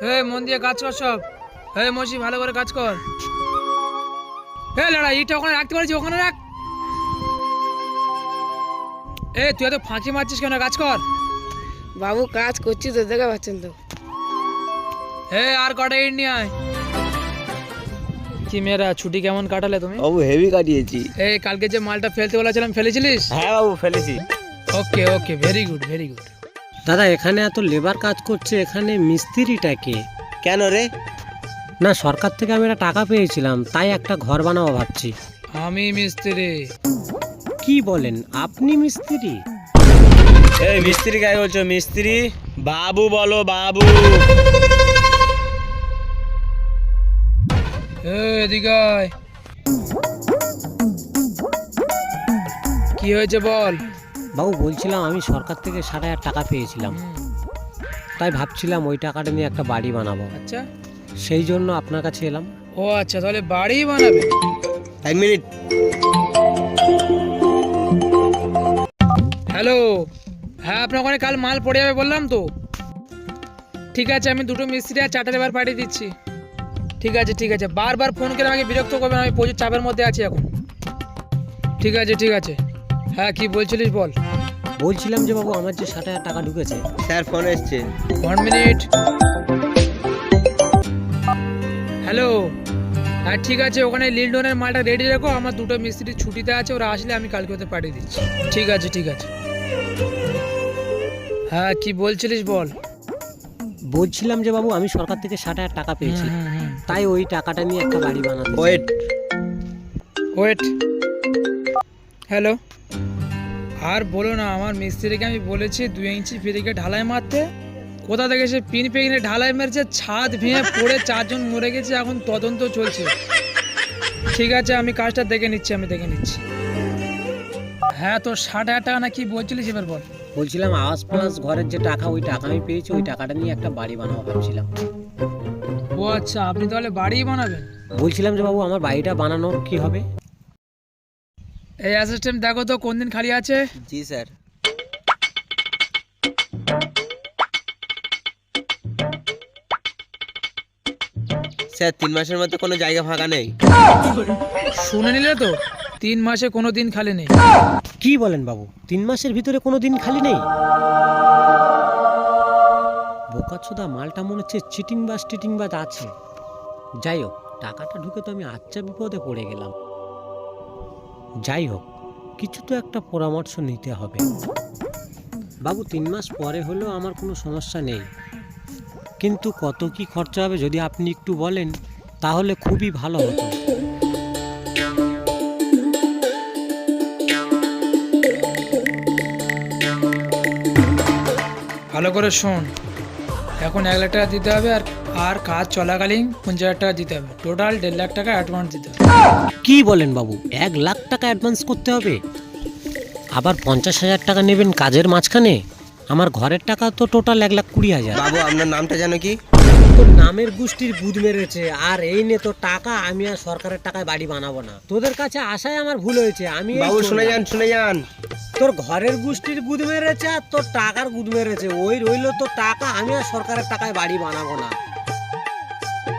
মন দিয়ে কাজ কর সব। মসি ভালো করে কাজ কর। লড়াই ইটা ওখানে রাখতে পারছি, ওখানে রাখ। তুই এত ফাঁকি মারছিস কেন? কাজ কর বাবু, কাজ করছি তো, দেখে পাচ্ছেন তো। আর কটা ইট নিয়ে আয়। কি মেয়েরা, ছুটি কেমন কাটালে তুমি? বাবু হেভি কাটিয়েছি। কালকে যে মালটা ফেলতে বলেছিলাম ফেলেছিলিস? হ্যাঁ বাবু ফেলেছি। Okay okay, very good very good. দাদা, এখানে এত লেবার কাজ করছে, এখানে মিস্ত্রিটা কে? কেন রে? না, সরকার থেকে আমি একটা টাকা পেয়েছিলাম, তাই একটা ঘর বানাবো ভাবছি। আমি মিস্ত্রি। কি বলেন, আপনি মিস্ত্রি? এই মিস্ত্রি কাকে বলছো? মিস্ত্রি বাবু বলো, বাবু। এদিকে আয়। কি হয়েছে বল। বাবু, বলছিলাম আমি সরকার থেকে 60,000 টাকা পেয়েছিলাম, তাই ভাবছিলাম ওই টাকাটা নিয়ে একটা বাড়ি বানাবো। আচ্ছা, সেই জন্য আপনার কাছে এলাম। ও আচ্ছা, তাহলে বাড়ি বানাবে। এক মিনিট। হ্যালো, আপনার ওখানে কাল মাল পড়ে যাবে বললাম তো। ঠিক আছে, আমি 2টো মিস্ত্রি আর 4টা লেবার পাঠিয়ে দিচ্ছি। ঠিক আছে ঠিক আছে, বারবার ফোন করে আমাকে বিরক্ত করবেন, আমি প্রচুর চাপের মধ্যে আছি এখন। ঠিক আছে ঠিক আছে। কি বলছিলিস বল। বলছিলাম যে বাবু, আমার যে 60,000 টাকা ঢুকেছে। স্যার ফোন এসছে। 1 মিনিট। হ্যালো, ঠিক আছে, ওখানে লিলডনের মালটা রেডি রাখো। আমার 2টো মিস্ত্রি ছুটিতে আছে, ওরা আসলে আমি কালকে ওদের পাঠিয়ে দিচ্ছি। ঠিক আছে ঠিক আছে। কি বলছিলিস বল। বলছিলাম যে বাবু, আমি সরকার থেকে 60,000 টাকা পেয়েছি, তাই ওই টাকাটা নিয়ে একটা বাড়ি বানাবো। ওয়েট। হ্যালো, আর বলো না, আমার মিস্ত্রিকে আমি বলেছি 2 ইঞ্চি ফিরিকে ঢালাই মারতে। কোথা থেকে সে পিন পেয়ে ঢালাই মেরেছে, ছাদ ভেঙে পড়ে 4 জন মরে গেছে, এখন তদন্ত চলছে। ঠিক আছে, আমি কাজটা দেখে নিচ্ছি। তোর 60,000 টাকা না কি বলছিলিস, এবার বল। বলছিলাম আওয়াজ প্লাস ঘরের যে টাকা, ওই টাকা আমি পেয়েছি, ওই টাকাটা নিয়ে একটা বাড়ি বানাবো ভাবছিলাম। ও আচ্ছা, আপনি তাহলে বাড়ি বানাবেন? বলছিলাম যে বাবু, আমার বাড়িটা বানানোর কি হবে? অ্যাসিস্ট্যান্ট দেখো তো কোন দিন খালি আছে। জি স্যার। স্যার 3 মাসের মধ্যে কোনো জায়গা ফাঁকা নেই। শুনে নিলে তো, 3 মাসে কোনো দিন খালি নেই। কি বলেন বাবু, 3 মাসের ভিতরে কোনো দিন খালি নেই? বোকাচোদা মালটা মনে হচ্ছে চিটিংবাজ আছে। যাই হোক, টাকাটা ঢুকে তো আমি আচ্ছা বিপদে পড়ে গেলাম। যাই হোক, কিছু তো একটা পরামর্শ নিতে হবে। বাবু, 3 মাস পরে হলেও আমার কোনো সমস্যা নেই, কিন্তু কত কি খরচা হবে যদি আপনি একটু বলেন তাহলে খুবই ভালো হতো। ভালো করে শোন, এখন 1 লাখ টাকা দিতে হবে, আর কাজ চলাকালীন 50,000 টাকা দিতে হবে। টোটাল 1.5 লাখ টাকা অ্যাডভান্স দিতে হবে। কি বলেন বাবু, 1 লাখ টাকা অ্যাডভান্স করতে হবে? আবার 50,000 টাকা নেবেন কাজের মাঝখানে? আমার ঘরের টাকা তো টোটাল 1,20,000। বাবু আপনার নামটা জানো কি? তোর নামের গোষ্ঠীর বুধ মেরেছে। আর এই নে তোর টাকা, আমি আর সরকারের টাকায় বাড়ি বানাবো না। তোদের কাছে আসায় আমার ভুল হয়েছে। আমি বাবু শুনে যান। তোর ঘরের গোষ্ঠীর গুদ মেরেছে আর তোর টাকার গুদ মেরেছে। ওই রইলো তোর টাকা, আমি আর সরকারের টাকায় বাড়ি বানাবো না।